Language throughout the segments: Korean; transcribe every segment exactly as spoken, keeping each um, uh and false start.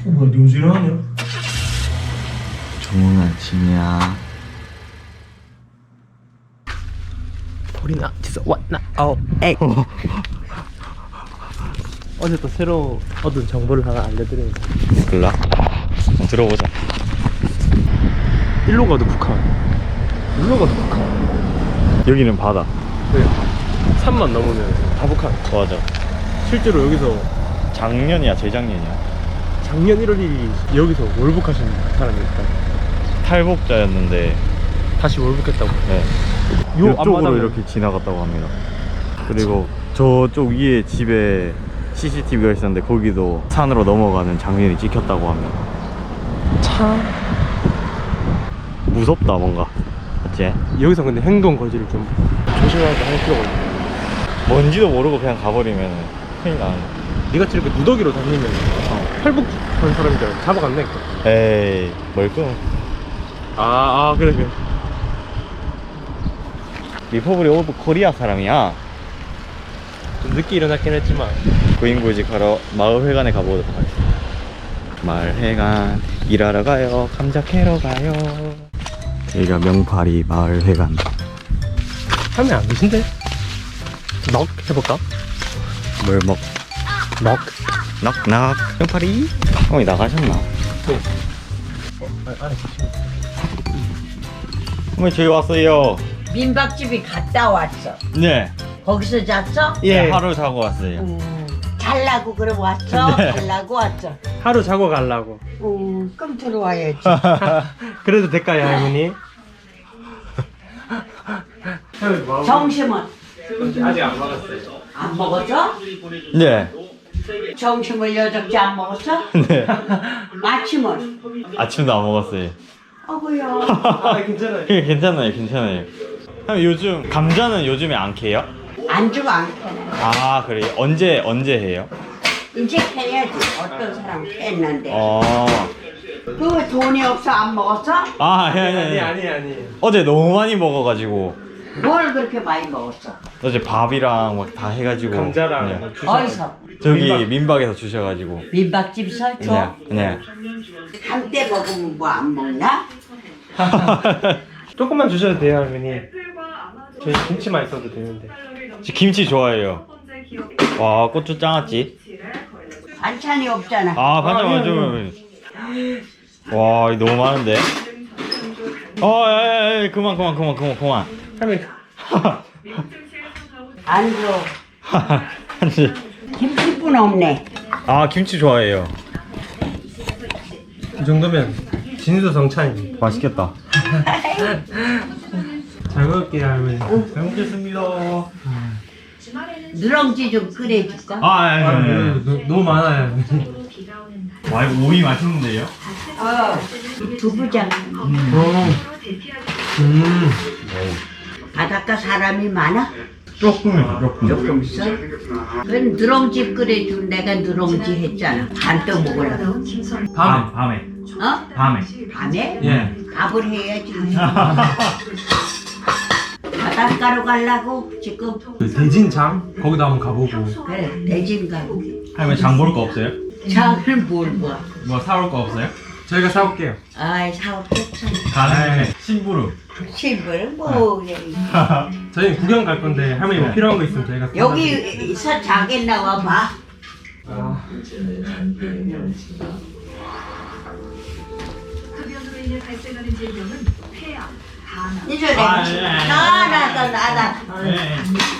어, 뭐야, 네 옷이 일어나냐? 좋은 아침이야. 소리나 진짜 왔나? 아우 에이. 어제 또 새로 얻은 정보를 하나 알려드리는 거야. 몰라? 한번 들어보자. 일로 가도 북한, 일로 가도 북한. 여기는 바다. 네. 산만 넘으면 다 북한. 맞아. 실제로 여기서 작년이야 재작년이야. 작년 일월 일일 여기서 월북하신 사람이 있다. 탈북자였는데 다시 월북했다고. 네. 요 이쪽으로 앞마당은- 이렇게 지나갔다고 합니다. 그리고 저쪽 위에 집에 씨씨티비가 있었는데 거기도 산으로 넘어가는 장면이 찍혔다고 합니다. 참 무섭다 뭔가. 맞지? 여기서 근데 행동 거지를 좀 조심하게 할 필요가 있네. 뭔지도 모르고 그냥 가버리면 큰일 나는. 니같이 이렇게 무더기로 다니면 어, 탈북한 사람들 잡아갔네. 에이 멀끔. 아, 아 그래 그래. 리퍼블릭 오브 코리아 사람이야. 좀 늦게 일어났긴 했지만 구인구직하러 마을회관에 가보도록 하겠습니다. 마을회관 일하러 가요. 감자 캐러 가요. 여기가 명파리 마을회관. 하면 안 되신데? 넉 해볼까? 뭘 먹? 넉. 넉넉. 명파리? 형이 나가셨나? 네. 어, 아, 안에 계시네. 어머니 저희 왔어요. 민박집이 갔다 왔어. 네. 거기서 잤어? 예. 예. 하루 자고 왔어요. 음, 잘라고 그럼 왔어? 네. 잘라고 왔어. 하루 자고 가려고. 음, 그럼 들어와야지. 그래도 될까요, 할머니? 점심은 아직 안 먹었어요. 안 먹었어? 네. 점심을 여덟째 안 먹었어? 네. 아침은? 아침도 안 먹었어요. 어구야. 아, 괜찮아요. 그게 괜찮아요, 괜찮아요. 형 요즘 감자는 요즘에 안 캐요? 안주가 안 캐네. 아 그래요? 언제 언제 해요? 이제 캐야지. 어떤 사람 캤는데. 어. 그 돈이 없어 안 먹었어? 아 아니 아니 아니, 아니. 아니, 아니. 어제 너무 많이 먹어가지고 뭘 그렇게 많이 먹었어? 어제 밥이랑 막 다 해가지고. 감자랑 네. 뭐 주사. 어디서? 저기 민박. 민박에서 주셔가지고. 민박집에서 줘? 네. 네. 한때 먹으면 뭐 안 먹나? 조금만 주셔도 돼요, 할머니. 저희 김치만 있어도 되는데. 저 김치 좋아해요. 와 고추 짱았지? 반찬이 없잖아. 아 반찬 아, 완전. 와 이거 너무 많은데. 어, 에, 에, 그만 그만 그만 그만 그만. 할머니. 안 줘. 한지. 김치뿐 없네. 아 김치 좋아해요. 이 정도면 진수 성찬이지. 맛있겠다. 잘 먹을게요, 할머니. 잘 먹겠습니다. 누렁지 좀 끓여줄까? 아, 아니, 아, 아니, 네, 아니. 너- 너무 많아요. 와 이거 오이 맛있는데요? 어. 두부장. 음. 음. 바닷가 사람이 많아? 조금이죠 조금. 조금 있어? 그건 누렁지 끓여준 내가 누렁지 했잖아. 안 떠먹으려고. 밤에. 밤에. 어? 밤에. 밤에? 예. 밥을 해야지. 바닷가로 가려고 지금. 그 대진장 거기도 한번 가보고. 그래, 대진 가고. 할머니 장 볼 거 없어요? 장을 뭘 봐. 뭐 사올 거 없어요? 저희가 사올게요. 아이, 사업했잖아. 가는 김에 심부름. 신발 뭐. 저희 구경 갈 건데 할머니 뭐 필요한 거 있으면 저희가 사다 드릴게요. 여기서 자게 나와 봐. 아. 흡연으로 인해 발생하는 질병은 폐암, 간암, 이제 내가 아, 예, 예. 나나나 나나. 네.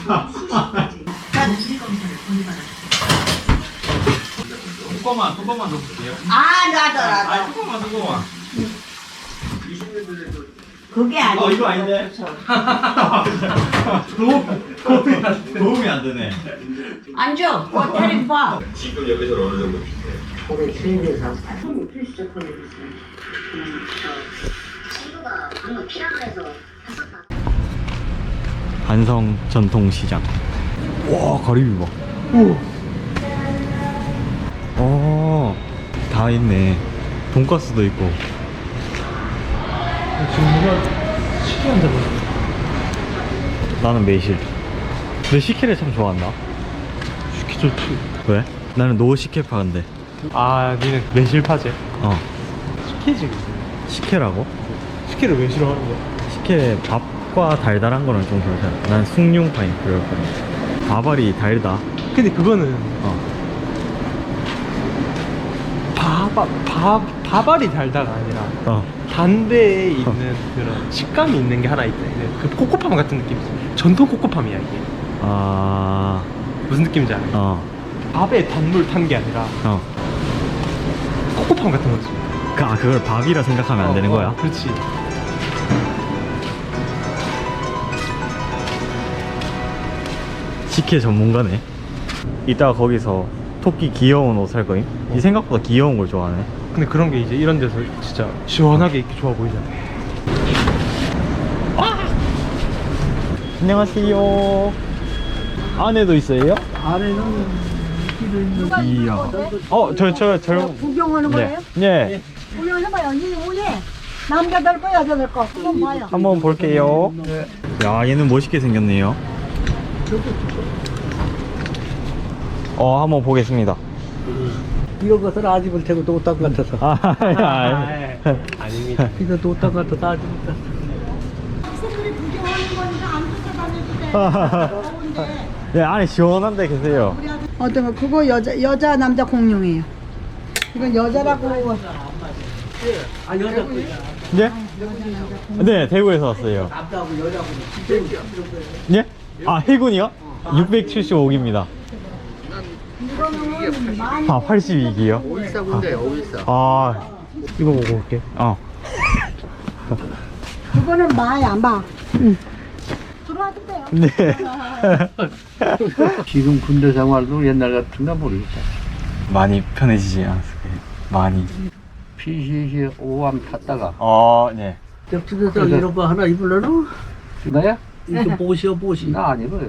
뚜껑만 뚜껑만 넣어볼게요. 아 나도 나도. 뚜껑만 뚜껑만. 그게 아니야. 어 이거 아닌데? 도움 도움이 안 되네. 도움이 안 되네. 앉아. 호텔 봐. 지금 여기서 어느 정도 우리 길에서. 반성 전통시장. 와 가리비 봐. 오. 다 있네. 돈가스도 있고. 지금 누가 식혜한다고. 나는 매실. 내 식혜를 참 좋아한다. 식혜 좋지. 왜? 나는 노 식혜파인데. 아 니는 매실파제? 어 식혜지. 식혜라고? 식혜를 왜 싫어하는 거야? 식혜 밥과 달달한 거는 좀 그렇잖아. 난 숭늉파인 그렇거든. 밥알이 달다. 근데 그거는 어 밥, 밥, 밥알이 달다가 아니라 어. 단대에 있는 그런 식감이 있는 게 하나 있다. 그 코코팜 같은 느낌이지. 전통 코코팜이야 이게. 아, 무슨 느낌인지 알아? 어, 밥에 단물 탄 게 아니라 어. 코코팜 같은 거지. 그, 아, 그걸 밥이라 생각하면 안 어, 되는 어, 거야? 그렇지. 식혜 전문가네. 이따가 거기서 토끼 귀여운 옷 살 거임? 이 생각보다 귀여운 걸 좋아하네. 근데 그런 게 이제 이런 데서 진짜 시원하게 입기 좋아 보이잖아. 안녕하세요. 안에도 있어요? 안에는 이야. 어, 저, 저, 저. 구경하는 거예요? 네. 네. 구경해봐요. 이 위에 남자들 거 여자들 거 한번 봐요. 한번 볼게요. 야, 얘는 멋있게 생겼네요. 어, 한번 보겠습니다. 이거 것을 아집을 태고 노딱 같아서. 아, 아, 아닙니다. 이거 노딱 같아서 아집을 탔어. 학생들이 구경하는 거니까 안 쫓아다녀도 돼. 네, 안에 시원한데 계세요. 어떤 거 그거 여자 여자 남자 공룡이에요. 이건 여자라고. 아 여자 거. 네? 네, 대구에서 왔어요. 남자하고 여자하고 예? 아, 해군이요? 육백칠십오 기입니다. 이거는 많이. 아, 팔십이 기요? 오일사 군데 오일사. 아, 이거 보고 올게. 어. 그거는 마야 마. 응. 들어와도 돼요. 네. 지금 군대 생활도 옛날 같은가 모르겠다. 많이 편해지지 않았어요. 많이. 피씨씨 오함 탔다가 어, 네. 옆집에서 이런 거 하나 입으려나? 나야? 이거 보시오 보시. 나 안 입어요.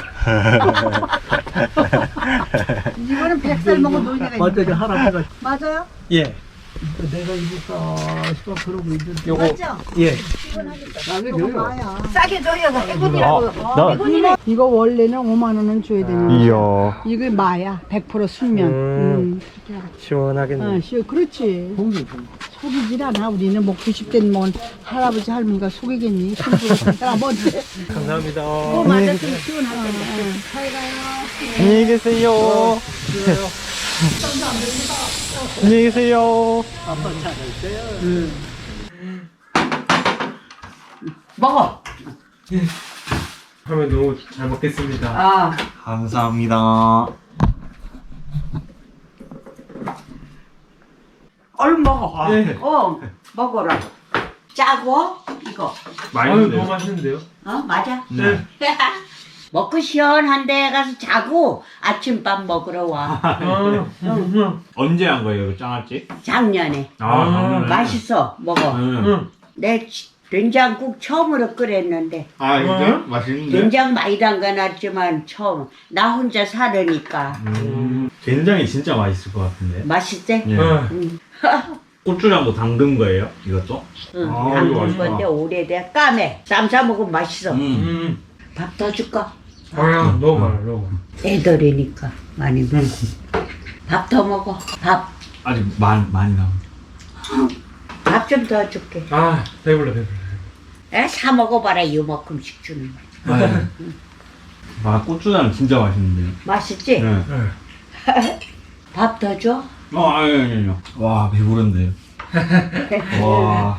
이거는 백살 먹은 노인네가 맞아요 할아버지가 맞아요? 예. 내가 입을까 싶어 그러고 있는데 요거 맞죠? 예. 싸게 이거 줘요. 봐요. 싸게 줘요. 아, 해군이라고. 나, 이거, 이거 원래는 오만 원은 줘야 되는 이야. 이거 마야 백 퍼센트 순면. 음. 음. 그렇게 알아. 시원하겠네. 어, 쉬워. 그렇지. 속이질 않아. 우리는 뭐 구십 된 뭐 할아버지 할머니가 속이겠니? 손주가 할아버지. 감사합니다. 뭐 맞았으면 시원하게. 잘 가요. 안녕히 계세요. 안녕히 계세요. 먹어. 하면 너무 잘 먹겠습니다. 아, 감사합니다. 얼른 먹어. 네. 어, 먹어라. 짜고 이거. 아유, 너무 맛있는데요? 어, 맞아. 네. 먹고 시원한 데 가서 자고 아침밥 먹으러 와. 아, 응. 언제 한 거예요, 이거 짱아찌? 작년에. 아, 맛있어. 먹어. 응. 내 치- 된장국 처음으로 끓였는데 아 진짜? 맛있는데? 된장 많이 담가놨지만 처음 나 혼자 살으니까 음, 된장이 진짜 맛있을 것 같은데. 맛있대? 예. 응. 고추장도 담근 거예요, 이것도? 응. 아, 이거 담근 맛있다. 건데 오래돼. 까매. 쌈 싸 먹으면 맛있어. 음. 음. 밥 더 줄까? 아야, 너무 많아, 너무 많아. 애들이니까 많이 먹어. 밥 더 먹어. 밥. 아직 많이, 많이 남아. 밥 좀 더 줄게. 아, 배불러, 배불러. 에, 사 먹어봐라. 이만큼씩 주는 거. 아, 고추장 진짜 맛있는데요? 맛있지? 네. 밥 더 줘? 어, 아니, 아니, 아니요. 와, 배부른데요. 와.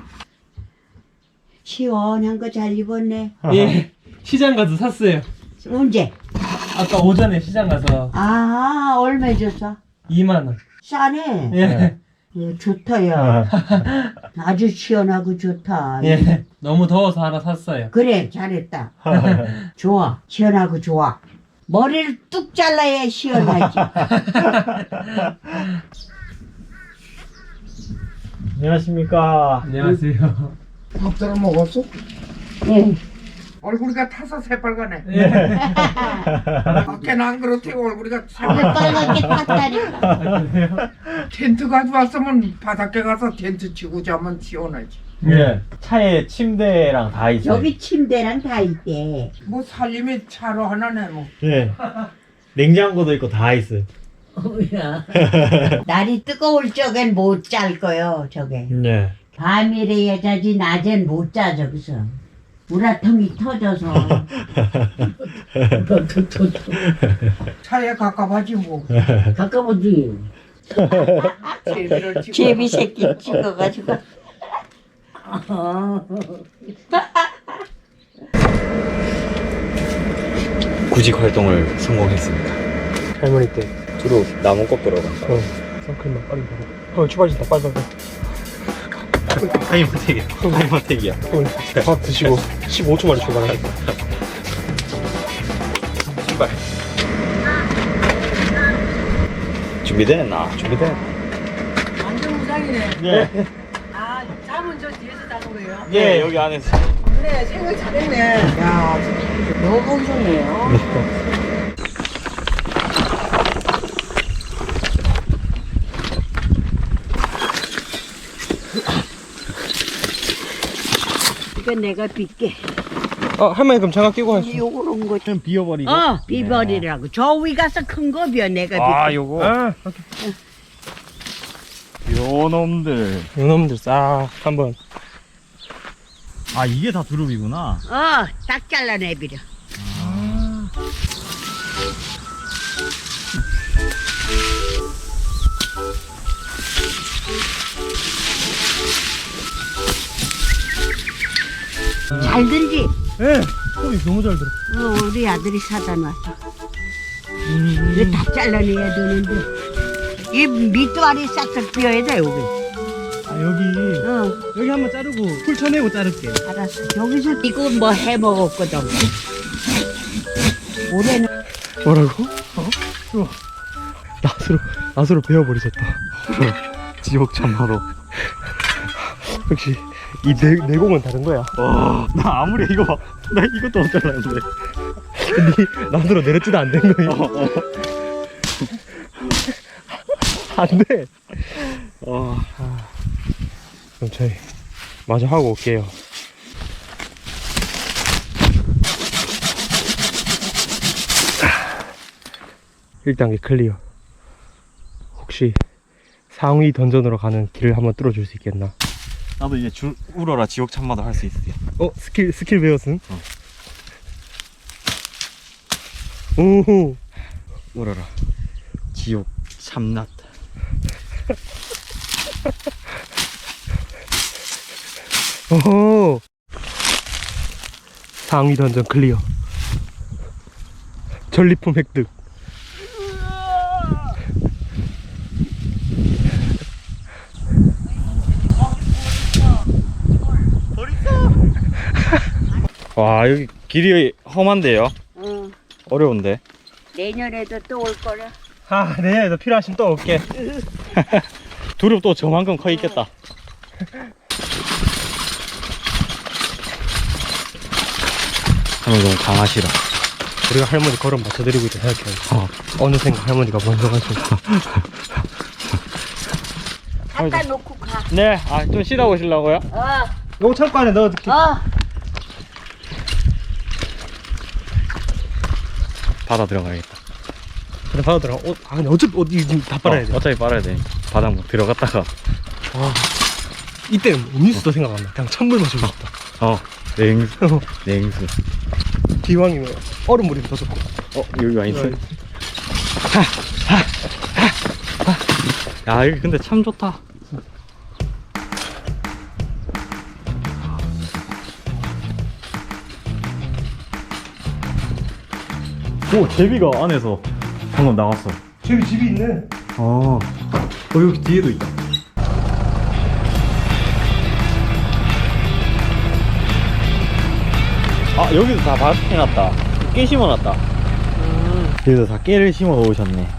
시원한 거 잘 입었네. 예. 시장 가서 샀어요. 언제? 아까 오전에 시장 가서 아, 얼마 줬어? 이만 원. 싸네. 예. 예, 좋다, 야. 아주 시원하고 좋다. 예. 너무 더워서 하나 샀어요. 그래, 잘했다. 좋아. 시원하고 좋아. 머리를 뚝 잘라야 시원하지. 안녕하십니까. 안녕하세요. 밥잘 먹었어? 예. 얼굴이가 타서 새빨가네. 예. 밖에는 안 그렇대요. 얼굴이가 왜 빨갛게 탔다니까. 텐트 가져왔으면 바닷가 가서 텐트 치고 자면 시원하지. 예. 차에 침대랑 다 있어요. 여기 침대랑 다 있대. 뭐 살림이 차로 하나네 뭐. 예. 냉장고도 있고 다 있어요. 어머야. 날이 뜨거울 적엔 못 잘 거요, 저게. 네. 밤이래야 자지, 낮엔 못 자, 저기서. 우라통이 터져서. 차에 가까워지 뭐. 가까워지. 제비를 찍어. 제비 새끼 찍어가지고. 구직 활동을 성공했습니다. 할머니 때. 주로 나무 꺾으러 간다. 어. 선클만 빨리 가봐. 어, 출발진다. 빨리 빨리. 타이머택이야. 타이머택이야. 어, 밥 드시고 십오 초 만에 출발하겠다. 출발. 준비됐나? 준비됐. 완전 무장이네. 예. 아, 잠은 저 뒤에서 자는 거예요? 예, 여기 안에서. 그래, 생각 잘했네. 야, 너무 건강해요. 이거 내가 빗게. 어, 할머니 그럼 장갑 끼고 하시죠. 요런 거. 좀 비워버리고. 어, 비버리라고. 저 위 가서 큰 거 비어, 내가 빗게. 아, 요거. 아, 오케이. 요 놈들. 요놈들 싹 한번. 아, 이게 다 두릅이구나. 어, 딱 잘라내비려. 잘 들지? 예. 소리 너무 잘 들어. 어, 우리 아들이 사다 놨어. 이거 다 잘라내야 되는데. 이 밑도알이 싹싹 비어야 돼, 여기. 아, 여기. 어, 여기 한번 자르고 풀 쳐내고 자를게. 알았어. 여기서 이거 뭐 해 먹었거든. 올해는 뭐라고? 어? 우와. 낫으로, 낫으로 베어버리셨다. 지옥 참마로. 역시, 이 내, 내공은 다른 거야. 와, 나 아무리 이거 봐. 나 이것도 못 잘랐는데. 니 낫으로 내렸지도 안 된 거야. 어, 어. 안 돼. 어. 그럼 저희 마저 하고 올게요. 일 단계 클리어. 혹시 상위 던전으로 가는 길을 한번 뚫어줄 수 있겠나? 나도 이제 줄 울어라 지옥 참마도 할 수 있어. 어? 스킬 스킬 배웠음? 어. 오호. 울어라 지옥 참낫. 오호. 상위 던전 클리어. 전리품 획득. 와, 여기 길이 험한데요? 어, 어려운데. 내년에도 또 올 거라. 아, 네, 너 필요하시면 또 올게. 두릅 또 저만큼 커 있겠다. 할머니 너무 강하시라. 우리가 할머니 걸음 맞춰드리고 있다 생각해. 어. 어느샌가 할머니가 먼저 가시고. 갖다 놓고 가. 네, 아, 좀 쉬다 오시려고요? 어, 요거 창고 안에 넣어둘게. 어. 바다 들어가야겠다. 그래, 바로 들어가. 어, 아, 근데 어차피 어디 지금 다 빨아야 돼. 어, 어차피 빨아야 돼. 바닥 뭐 들어갔다가. 아, 이때는 음료수도 생각 안 나. 그냥 찬물 마시고 싶다. 어, 냉수. 냉수. 기왕이면 얼음물이 더 좋고. 어, 여기가 있어. 여기. 야, 여기 근데 참 좋다. 오, 제비가 안에서 방금 나왔어. 저기 집이 있네. 아, 어, 여기 뒤에도 있다. 아, 여기도 다 바스해놨다. 깨 심어놨다. 음. 여기도 다 깨를 심어 놓으셨네.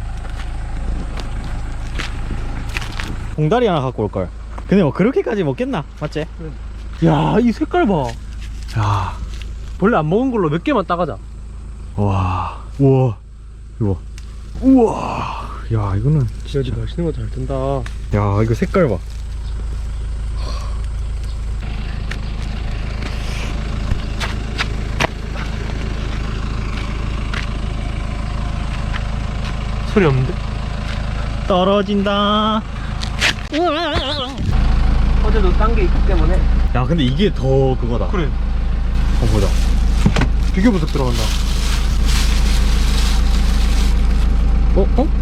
봉다리 하나 갖고 올걸. 근데 뭐 그렇게까지 먹겠나? 맞지? 야, 이 색깔 봐. 야, 원래 안 먹은 걸로 몇 개만 따가자. 와, 우와, 이거, 우와, 야, 이거는, 여지 맛있는 거 잘 든다. 야, 이거 색깔 봐. 소리 없는데? 떨어진다. 어제도 딴 게 있기 때문에. 야 근데 이게 더 그거다. 그래. 어 보자. 비교 분석 들어간다. 어? 어?